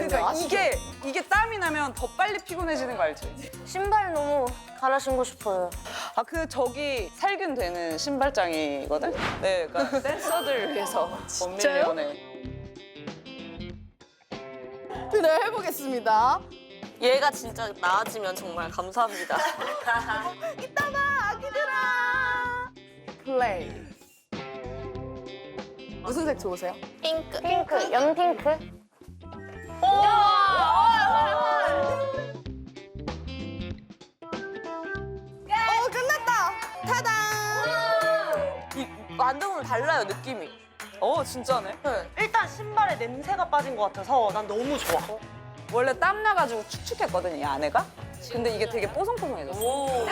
그러니까 아시죠? 이게 땀이 나면 더 빨리 피곤해지는 거 알지? 신발 너무 갈아 신고 싶어요. 아, 저기 살균 되는 신발장이거든? 네, 그러니까 댄서들 위해서 진짜요? 네. 네, 해보겠습니다. 얘가 진짜 나아지면 정말 감사합니다. 이따 봐, 아기들아. 플레이. 무슨 색 좋으세요? 핑크. 핑크. 연핑크. 끝났다. 타당. 이 만져보면 달라요, 느낌이. 진짜네. 일단 신발에 냄새가 빠진 것 같아서 난 너무 좋아. 원래 땀 나가지고 축축했거든, 이 안에가? 근데 이게 되게 뽀송뽀송해졌어.